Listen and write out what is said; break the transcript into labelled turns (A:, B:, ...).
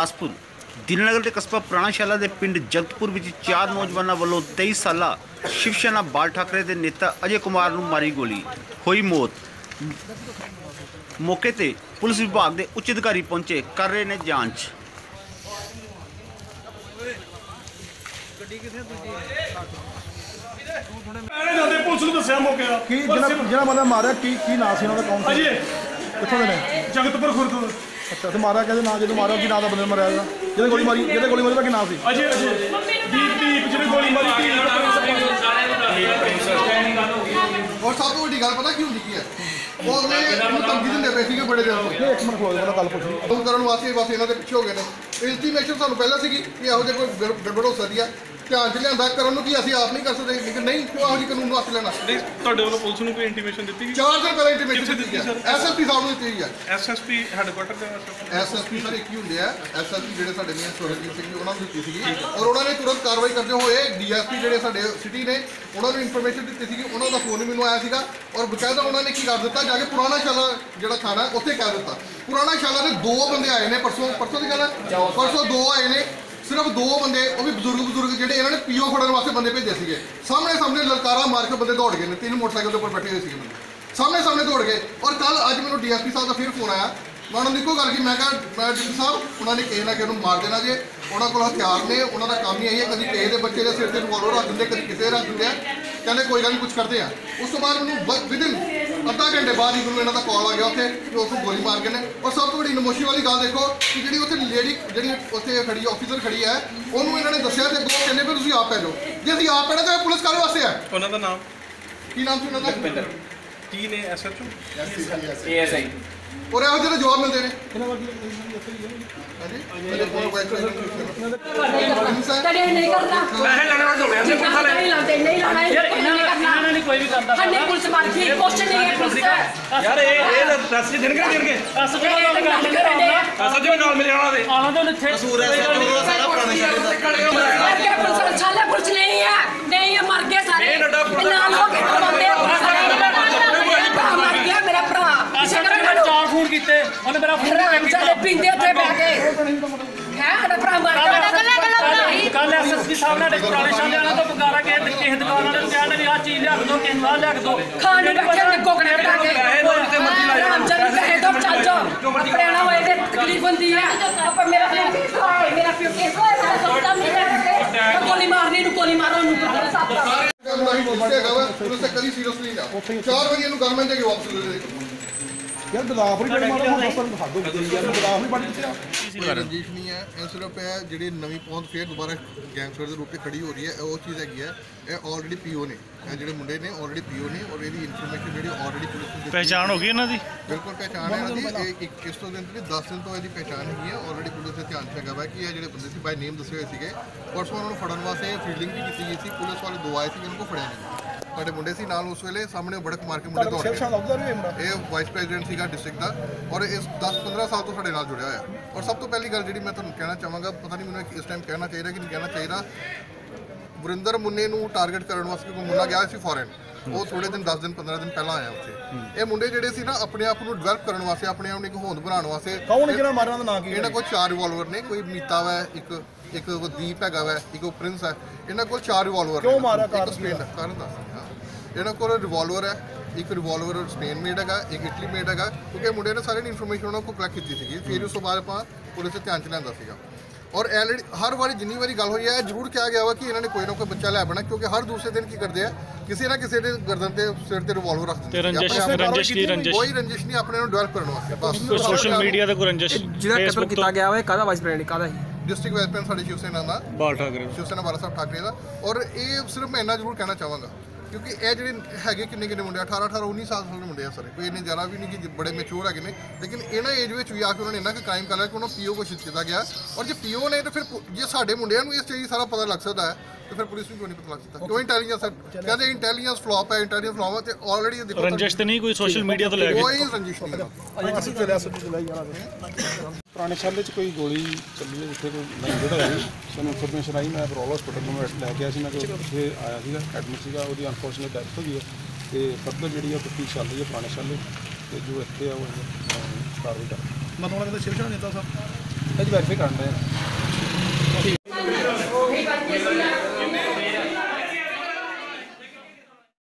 A: ਗੁਰਦਾਸਪੁਰ ਦਿਲਨਗਰ ਦੇ ਕਸਬਾ ਪੁਰਾਣਾ ਸ਼ਾਲਾ ਦੇ ਪਿੰਡ ਜਗਤਪੁਰ ਵਿੱਚ 4 ਨੌਜਵਾਨਾਂ ਵੱਲੋਂ 23 ਸਾਲਾ ਸ਼ਿਵ ਸੈਨਾ ਬਾਲ ਠਾਕਰੇ ਦੇ ਨੇਤਾ ਅਜੇ ਕੁਮਾਰ ਨੂੰ ਮਾਰੀ ਗੋਲੀ, ਹੋਈ ਮੌਤ। ਮੌਕੇ ਤੇ ਪੁਲਿਸ ਵਿਭਾਗ ਦੇ ਉੱਚ ਅਧਿਕਾਰੀ ਪਹੁੰਚੇ, ਕਰ ਰਹੇ ਨੇ ਜਾਂਚ।
B: ਪੁਲਿਸ ਨੂੰ ਦੱਸਿਆ ਮੌਕੇ ਦਾ
C: ਕੀ ਜਿਹੜਾ ਬੰਦਾ ਮਾਰਿਆ ਕੀ ਨਾਮ ਸੀ ਉਹਨਾਂ ਦਾ? ਕੌਣ ਸੀ?
B: ਅਜੇ
C: ਕਿੱਥੋਂ ਦੇ ਨੇ?
B: ਜਗਤਪੁਰ ਖੁਰਦ।
C: ਅੱਛਾ, ਤੇ ਮਾਰਿਆ ਕਹਿੰਦੇ ਨਾ, ਜਦੋਂ ਮਾਰਿਆ ਕੀ ਨਾਮ ਦਾ ਬੰਦੇ ਮਾਰਿਆ ਇਹਦਾ? ਜਿਹਦੇ ਗੋਲੀ ਮਾਰੀ ਦਾ ਕੀ ਨਾਮ ਸੀ?
B: ਅਜੇ ਦੀਪ ਜਿਹਨੇ ਗੋਲੀ ਮਾਰੀ
D: और सब तो बड़ी गल पता क्यों लिखी है वो अगले धमकी दिंदे पे सीगे बड़े दिन
C: एक मिनट खड़ो जा, गल पुछ
D: फोन करन वास्ते बस इन्हां दे पिछे हो गए ने। इंटीमेशन सानू पहले सीगी कि ਇਹੋ ਜਿਹਾ ਕੋਈ ਗੜਬੜ ਹੋ ਸਕਦੀ ਆ, ਧਿਆਨ ਚ ਲਿਆਂਦਾ ਕਰਨ ਨੂੰ, ਕਿ ਅਸੀਂ ਆਪ ਨਹੀਂ ਕਰ ਸਕਦੇ, ਲੇਕਿਨ ਨਹੀਂ ਕਿਉਂ ਇਹੋ ਜਿਹੇ ਕਾਨੂੰਨ ਨੂੰ ਹੱਥ ਲੈਣਾ।
B: ਨਹੀਂ, ਤੁਹਾਡੇ ਵੱਲੋਂ ਪੁਲਿਸ ਨੂੰ ਕੋਈ ਇੰਟੀਮੇਸ਼ਨ ਦਿੱਤੀ ਗਈ?
D: 4 ਦਿਨ ਪਹਿਲਾਂ ਇੰਟੀਮੇਸ਼ਨ ਦਿੱਤੀ ਹੈ, ਐਸਐਸਪੀ ਸਾਹਿਬ ਨੂੰ ਦਿੱਤੀ ਗਈ ਹੈ।
B: ਐਸਐਸਪੀ ਹੈਡਕੁਆਟਰ ਦੇ
D: ਐਸਐਸਪੀ ਸਰ ਇੱਕ ਹੀ ਹੁੰਦੇ ਆ, ਐਸਐਸਪੀ ਜਿਹੜੇ ਸਾਡੇ ਨੇ ਸੋਹਰਜੀਤ ਸਿੰਘ ਜੀ ਉਹਨਾਂ ਨੂੰ ਦਿੱਤੀ ਸੀਗੀ, ਔਰ ਉਹਨਾਂ ਨੇ ਤੁਰੰਤ ਕਾਰਵਾਈ ਕਰਦੇ ਹੋਏ ਡੀਐਸਪੀ ਜਿਹੜੇ ਸਾਡੇ ਸਿਟੀ ਨੇ ਉਹਨਾਂ ਨੂੰ ਇਨਫੋਰਮੇਸ਼ਨ ਦਿੱਤੀ ਸੀਗੀ। ਉਹਨਾਂ ਦਾ ਫੋਨ ਮੈਨੂੰ ਆਇਆ ਸੀਗਾ ਔਰ ਬਕਾਇਦਾ ਉਹਨਾਂ ਨੇ ਕੀ ਕਰ ਦਿੱਤਾ, ਜਾ ਕੇ ਪੁਰਾਣਾ ਸ਼ਾਲਾ ਜਿਹੜਾ ਥਾਣਾ ਉੱਥੇ ਕਹਿ ਦਿੱਤਾ। ਪੁਰਾਣਾ ਸ਼ਾਲਾ ਦੇ 2 ਬੰਦੇ ਆਏ ਨੇ, ਪਰਸੋਂ ਦੀ ਗੱਲ ਹੈ, ਪਰਸੋਂ 2 ਆਏ ਨੇ, ਸਿਰਫ 2 ਬੰਦੇ, ਉਹ ਵੀ ਬਜ਼ੁਰਗ ਜਿਹੜੇ ਇਹਨਾਂ ਨੇ ਪੀਓ ਫੜਨ ਵਾਸਤੇ ਬੰਦੇ ਭੇਜੇ ਸੀਗੇ। ਸਾਹਮਣੇ ਲਲਕਾਰਾ ਮਾਰ ਕੇ ਬੰਦੇ ਦੌੜ ਗਏ ਨੇ, 3 ਮੋਟਰਸਾਈਕਲ ਦੇ ਉੱਪਰ ਬੈਠੇ ਹੋਏ ਸੀਗੇ ਬੰਦੇ, ਸਾਹਮਣੇ ਦੌੜ ਗਏ। ਔਰ ਕੱਲ ਅੱਜ ਮੈਨੂੰ ਡੀਐਸਪੀ ਸਾਹਿਬ ਦਾ ਫਿਰ ਫੋਨ ਆਇਆ, ਮੈਂ ਉਹਨਾਂ ਨੂੰ ਇੱਕੋ ਗੱਲ ਕੀ, ਮੈਂ ਕਿਹਾ ਡੀਐਸਪੀ ਸਾਹਿਬ ਉਹਨਾਂ ਨੇ ਕਿਸੇ ਨਾ ਕਿਸੇ ਨੂੰ ਮਾਰ ਦੇਣਾ ਜੇ, ਉਹਨਾਂ ਕੋਲ ਹਥਿਆਰ ਨੇ, ਉਹਨਾਂ ਦਾ ਕੰਮ ਹੀ ਇਹੀ ਹੈ, ਕਦੀ ਕਿਸੇ ਦੇ ਬੱਚੇ ਦੇ ਸਿਰ ਤੇ ਰਿਵਾਲਵਰ ਰੱਖ ਦਿੰਦੇ, ਕਦੀ ਕਿਸੇ ਰੱਖ ਦਿੰਦੇ ਆ, ਕਹਿੰਦੇ ਕੋਈ ਗੱਲ ਨਹੀਂ ਕੁਝ ਕਰਦੇ ਆ। ਉਸ ਤੋਂ ਬਾਅਦ ਮੈਨੂੰ ਵਿਦਿਨ ਅੱਧਾ ਘੰਟੇ ਬਾਅਦ ਹੀ ਮੈਨੂੰ ਇਹਨਾਂ ਦਾ ਕਾਲ ਆ ਗਿਆ ਉੱਥੇ ਕਿ ਉਸ ਨੂੰ ਗੋਲੀ ਮਾਰ ਕੇ ਨੇ। ਔਰ ਸਭ ਤੋਂ ਵੱਡੀ ਨਮੋਸ਼ੀ ਵਾਲੀ ਗੱਲ ਦੇਖੋ ਕਿ ਜਿਹੜੀ ਉੱਥੇ ਲੇਡੀ ਜਿਹੜੀ ਉੱਥੇ ਖੜੀ ਆਫੀਸਰ ਖੜੀ ਹੈ, ਉਹਨੂੰ ਇਹਨਾਂ ਨੇ ਦੱਸਿਆ ਤੇ ਅੱਗੋਂ ਕਹਿੰਦੇ ਵੀ ਤੁਸੀਂ ਆਪ ਪੈ ਜਾਓ। ਜੇ ਅਸੀਂ ਆਪ ਪੈਣਾ ਤਾਂ ਪੁਲਿਸ ਕਾਹਦੇ ਵਾਸਤੇ ਹੈ?
B: ਉਹਨਾਂ ਦਾ ਨਾਮ
D: ਕੀ ਨਾਮ ਸੀ ਉਹਨਾਂ ਦਾ?
B: ਕੀ ਨੇ? ਐਸਐਚਓ
E: ASI
D: ਔਰ ਇਹੋ ਜਿਹੇ ਜਵਾਬ ਮਿਲਦੇ ਨੇ।
F: ਤੜੇ ਨਹੀਂ ਕਰਦਾ
B: ਪੈਸੇ ਲੈਣ ਵਾਲੇ ਦੋੜਿਆ ਸੀ ਪੁੱਛਾ ਲੈ
F: ਨਹੀਂ ਲਾਣਾ
E: ਇਹਨਾਂ ਨੇ ਕੋਈ ਵੀ ਕਰਦਾ
F: ਹੰਨੇ ਪੁਲਿਸ ਮਾਰ ਕੇ ਕੁਐਸਚਨ ਨਹੀਂ ਹੈ ਪੁਲਿਸ
B: ਯਾਰ ਇਹ ਰਸ ਦੇ ਦੇਣਗੇ ਦੇਣਗੇ
E: ਐਸਐਚਓ ਨਾਲ ਗੱਲ ਕਰਦੇ ਆ।
B: ਐਸਐਚਓ ਨਾਲ ਮਿਲ ਜਾਣਾ ਦੇ
E: ਆਣਾ ਤਾਂ ਇੱਥੇ
A: ਕਸੂਰ ਹੈ ਸਾਰਾ ਪੁਰਾਣਾ
F: ਮਰ ਗਿਆ ਪੁਲਿਸ ਛਾਲੇ ਪੁਲਿਸ ਨਹੀਂ ਹੈ ਮਰ ਗਏ ਸਾਰੇ ਨਾਲ ਹੋ ਕੇ ਬੰਦੇ ਮਰ ਗਿਆ ਮੇਰਾ ਭਰਾ
E: ਐਸਐਚਓ ਨੇ 4 ਫੋਨ ਕੀਤੇ, ਉਹਨੇ ਮੇਰਾ ਫੋਨ
F: ਚੱਲੇ ਪਿੰਦੇ ਉੱਥੇ ਬਹਿ ਕੇ ਹੈ ਸਾਡਾ ਭਰਾ ਮਰ ਗਿਆ।
E: ਕੱਲ ਐਸਐਸਪੀ ਸਾਹਿਬ ਨੇ ਪੁਰਾਣੇ ਸ਼ਾਲੇ ਵਾਲਾ ਤੋਂ ਪੁਕਾਰਾ ਕਿਸੇ ਦੁਕਾਨ ਵਾਲੇ ਨੂੰ ਕਹਿੰਦੇ ਵੀ ਆਹ ਚੀਜ਼ ਲਿਆ ਕੇ ਦੋ, ਕਿਸੇ ਨੂੰ ਆਹ ਲਿਆ ਕੇ ਦੋ,
F: ਖਾਣ ਨੂੰ ਬੈਠੇ ਨੇ ਕੋਕਣੇ ਬਣਾ ਕੇ ਰਾਮ ਚੰਦ ਕਹੇ ਤੋਂ ਚੱਲ ਜਾ ਆਪਣੇ ਨਾਲ ਹੋਏ ਤੇ ਤਕਲੀਫ ਹੁੰਦੀ ਹੈ। ਆਪਾਂ ਮੇਰਾ ਪਿਓ ਕੇਸ ਹੋਇਆ ਸੋਚਦਾ ਨਹੀਂ ਗੋਲੀ ਮਾਰਨੀ ਨੂੰ ਗੋਲੀ ਮਾਰੋ ਨੂੰ
D: ਕਦੀ ਸੀਰੀਅਸਲੀ ਨਾ 4 ਵਜੇ ਇਹਨੂੰ ਗਵਰਨਮੈਂਟ ਦੇ ਕੇ ਵਾਪਸ ਲੈ ਦੇ।
C: ਯਾਰ ਗਦਾਫ ਨਹੀਂ ਬੜੀ ਮਾਰਾ ਹੁਣ ਹੱਦ ਹੋ ਗਈ ਯਾਰ, ਗਦਾਫ ਨਹੀਂ ਬੜੀ ਕਿੱਥੇ
D: ਰੰਜਿਸ਼ ਨਹੀਂ ਹੈ, ਇਹ ਸਿਰਫ ਹੈ ਜਿਹੜੀ ਨਵੀਂ ਪਹੁੰਚ ਫੇਰ ਦੁਬਾਰਾ ਗੈਂਗਸਟਰ ਦੇ ਰੂਪ ਤੇ ਖੜੀ ਹੋ ਰਹੀ ਹੈ, ਉਹ ਚੀਜ਼ ਹੈਗੀ ਹੈ। ਇਹ ਆਲਰੇਡੀ ਪੀਓ ਨੇ, ਇਹ ਜਿਹੜੇ ਮੁੰਡੇ ਨੇ ਆਲਰੇਡੀ ਪੀਓ ਨੇ, ਔਰ ਇਹਦੀ ਇਨਫੋਰਮੇਸ਼ਨ ਜਿਹੜੀ ਆਲਰੇਡੀ ਪੁਲਿਸ ਨੂੰ
B: ਪਹਿਚਾਣ ਹੋ ਗਈ ਇਹਨਾਂ ਦੀ?
D: ਬਿਲਕੁਲ ਪਹਿਚਾਣ ਹੈ ਇਹਨਾਂ ਦੀ। ਇਸ ਤੋਂ ਦਿਨ ਤੋਂ 10 ਦਿਨ ਤੋਂ ਇਹਦੀ ਪਹਿਚਾਣ ਹੈਗੀ ਹੈ, ਆਲਰੇਡੀ ਪੁਲਿਸ ਦੇ ਧਿਆਨ 'ਚ ਹੈਗਾ ਵਾ ਕਿ ਇਹ ਜਿਹੜੇ ਬੰਦੇ ਸੀ ਬਾਈ ਨੇਮ ਦੱਸੇ ਹੋਏ ਸੀਗੇ। ਪਰਸੋਂ ਉਹਨਾਂ ਨੂੰ ਫੜਨ ਵਾਸਤੇ ਫੀਲਡਿੰਗ ਵੀ ਕੀਤੀ ਗਈ ਸੀ, ਪੁਲਿਸ ਵਾਲੇ 2 ਆਏ ਸੀ, ਇਹਨਾਂ ਨੂੰ ਫੜਿਆ ਨਹੀਂ। ਸਾਡੇ ਮੁੰਡੇ ਸੀ ਨਾਲ ਉਸ ਵੇਲੇ, ਸਾਹਮਣੇ ਬੜਕ ਮਾਰ ਕੇ ਮੁੰਡੇ ਦੌੜ ਗਏ। ਇਹ ਵਾਈਸ ਪ੍ਰੈਜ਼ੀਡੈਂਟ ਸੀਗਾ ਡਿਸਟ੍ਰਿਕਟ ਦਾ, ਔਰ ਇਸ 10-15 ਸਾਲ ਤੋਂ ਸਾਡੇ ਨਾਲ ਜੁੜਿਆ ਹੋਇਆ। ਔਰ ਸਭ ਤੋਂ ਪਹਿਲੀ ਗੱਲ ਜਿਹੜੀ ਮੈਂ ਤੁਹਾਨੂੰ ਕਹਿਣਾ ਚਾਹਾਂਗਾ, ਪਤਾ ਨਹੀਂ ਮੈਨੂੰ ਇਸ ਟਾਈਮ ਕਹਿਣਾ ਚਾਹੀਦਾ ਕਿ ਨਹੀਂ ਕਹਿਣਾ ਚਾਹੀਦਾ, ਵਰਿੰਦਰ ਮੁੰਨੇ ਨੂੰ ਟਾਰਗੇਟ ਕਰਨ ਵਾਸਤੇ ਕੋਈ ਮੁੰਡਾ ਗਿਆ ਸੀ ਫੋਰਨ, ਉਹ ਥੋੜੇ ਦਿਨ 10 ਦਿਨ 15 ਦਿਨ ਪਹਿਲਾਂ ਆਇਆ ਉੱਥੇ। ਇਹ ਮੁੰਡੇ ਜਿਹੜੇ ਸੀ ਨਾ ਆਪਣੇ ਆਪ ਨੂੰ ਡਿਵੈਲਪ ਕਰਨ ਵਾਸਤੇ, ਆਪਣੇ ਆਪ ਨੂੰ ਇੱਕ ਹੋਂਦ ਬਣਾਉਣ ਵਾਸਤੇ,
C: ਕੌਣ ਜਿਹੜਾ ਮਾਰਿਆ ਦਾ ਨਾਂ ਕੀ?
D: ਇਹਨਾਂ ਕੋਲ 4 ਰਿਵਾਲਵਰ ਨੇ, ਕੋਈ ਮੀਤਾ ਵਾ, ਇੱਕ ਦੀਪ ਹੈਗਾ ਵਾ, ਇੱਕ ਪ੍ਰਿੰਸ ਹੈ। ਇਹਨਾਂ ਕੋਲ 4 ਰਿਵਾਲਵਰ
C: ਕਿਉਂ ਮਾਰਿਆ?
D: ਕਾਰਨ ਦੱਸ ਇਹਨਾਂ ਕੋਲ ਰਿਵਾਲਵਰ ਹੈ, ਇੱਕ ਰਿਵਾਲਵਰ ਸਪੇਨ ਮੇਡ ਹੈਗਾ, ਇੱਕ ਇਟਲੀ ਮੇਡ ਹੈਗਾ, ਕਿਉਂਕਿ ਮੁੰਡੇ ਨੇ ਸਾਰੀ ਇਨਫੋਰਮੇਸ਼ਨ ਉਹਨਾਂ ਕੋਲ ਕਲੈਕਟ ਕੀਤੀ ਸੀਗੀ। ਫਿਰ ਉਸ ਤੋਂ ਬਾਅਦ ਆਪਾਂ ਪੁਲਿਸ ਦੇ ਧਿਆਨ 'ਚ ਲਿਆਂਦਾ ਸੀਗਾ। ਔਰ ਆਲਰੇਡੀ ਹਰ ਵਾਰੀ ਜਿੰਨੀ ਵਾਰੀ ਗੱਲ ਹੋਈ ਹੈ ਜ਼ਰੂਰ ਕਿਹਾ ਗਿਆ ਵਾ ਕਿ ਇਹਨਾਂ ਨੇ ਕੋਈ ਨਾ ਕੋਈ ਬੱਚਾ ਲੈ ਬਣਾ, ਕਿਉਂਕਿ ਹਰ ਦੂਸਰੇ ਦਿਨ ਕੀ ਕਰਦੇ ਆ, ਕਿਸੇ ਨਾ ਕਿਸੇ ਦੇ ਗਰਦਨ ਤੇ ਸਿਰ ਤੇ ਰਿਵਾਲਵਰ ਰੱਖ ਦਿੰਦੇ। ਕੋਈ ਰੰਜਿਸ਼ ਨਹੀਂ, ਆਪਣੇ ਨੂੰ ਡਿਵੈਲਪ ਕਰਨ ਵਾਸਤੇ ਬਸ।
B: ਸੋਸ਼ਲ ਮੀਡੀਆ ਤੇ ਕੋਈ ਰੰਜਿਸ਼
G: ਜਿਹੜਾ ਕਤਲ ਕੀਤਾ ਗਿਆ ਵਾ ਕਾਹਦਾ ਵਾਈਸ ਪ੍ਰੈਜ਼ੀਡੈਂਟ ਕਾਹਦਾ ਸੀ?
D: ਡਿਸਟ੍ਰਿਕਟ ਵਾਈਸ ਪ੍ਰੈਜ਼ੀਡੈਂਟ ਸਾਡੇ ਸ਼ਿਵ ਸੈਨਾ ਦਾ
B: ਬਾਲ ਠਾਕਰੇ,
D: ਸ਼ਿਵ ਸੈਨਾ ਬਾਲਾ ਸਾਹਿਬ ਠਾਕਰੇ ਦਾ। ਔਰ ਇਹ ਸਿਰਫ ਮੈਂ ਇੰਨਾ ਜ਼ਰੂਰ ਕਹਿਣਾ ਚਾਹਾਂਗਾ ਕਿਉਂਕਿ ਇਹ ਜਿਹੜੇ ਹੈਗੇ ਕਿੰਨੇ ਮੁੰਡੇ 18 19 ਸਾਲ ਦੇ ਮੁੰਡੇ ਆ ਸਾਰੇ, ਕੋਈ ਇੰਨੇ ਜ਼ਿਆਦਾ ਵੀ ਨਹੀਂ ਕਿ ਬੜੇ ਮੈਚੂਰ ਹੈਗੇ ਨੇ, ਲੇਕਿਨ ਇਹਨਾਂ ਏਜ ਵਿੱਚ ਵੀ ਆ ਕੇ ਉਹਨਾਂ ਨੇ ਇੰਨਾ ਕੁ ਕ੍ਰਾਈਮ ਕਰ ਲਿਆ ਕਿ ਉਹਨਾਂ ਪੀਓ ਘੋਸ਼ਿਤ ਕੀਤਾ ਗਿਆ। ਔਰ ਜੇ ਪੀਓ ਨੇ ਤਾਂ ਫਿਰ ਜੇ ਸਾਡੇ ਮੁੰਡਿਆਂ ਨੂੰ ਇਸ ਚੀਜ਼ ਸਾਰਾ ਪਤਾ ਲੱਗ ਸਕਦਾ ਹੈ तो फिर पुलिस में क्यों नहीं पता लग सकता? क्यों इंटेलिजेंस कहते इंटेलिजेंस फ्लॉप है, इंटेलिजेंस फ्लॉप है तो ऑलरेडी देखो
B: रंजिश तो नहीं कोई सोशल मीडिया तो लेके
D: कोई रंजिश नहीं है।
C: ਪੁਰਾਣੇ ਸ਼ਾਲੇ 'ਚ ਕੋਈ ਗੋਲੀ ਚੱਲੀ ਹੈ ਜਿੱਥੇ ਕੋਈ ਜਿਹੜਾ ਹੈ ਸਾਨੂੰ ਇਨਫੋਰਮੇਸ਼ਨ ਆਈ। ਮੈਂ ਬਰੋਲ ਹਸਪੀਟਲ ਨੂੰ ਲੈ ਕੇ ਆਇਆ ਸੀ, ਮੈਂ ਉੱਥੇ ਆਇਆ ਸੀਗਾ, ਐਡਮਿਟ ਸੀਗਾ, ਉਹਦੀ ਅਨਫੋਰਚੂਨੇਟ ਡੈਥ ਹੋ ਗਈ ਹੈ ਤੇ ਫਰਦਰ ਜਿਹੜੀ ਆ ਤਫਤੀਸ਼ ਚੱਲ ਰਹੀ ਹੈ ਪੁਰਾਣੇ ਸ਼ਾਲੇ ਤੇ ਜੋ ਇੱਥੇ ਆ ਉਹ ਕਾਰਵਾਈ ਕਰ।
D: ਮਤਲਬ ਉਹਨਾਂ ਦਾ ਸ਼ਿਵ ਸੈਨਾ ਨੇਤਾ ਸਾਹਿਬ
C: ਇਹ ਵੈਰੀਫਾਈ ਕਰਨ ਰਹੇ ਹਾਂ।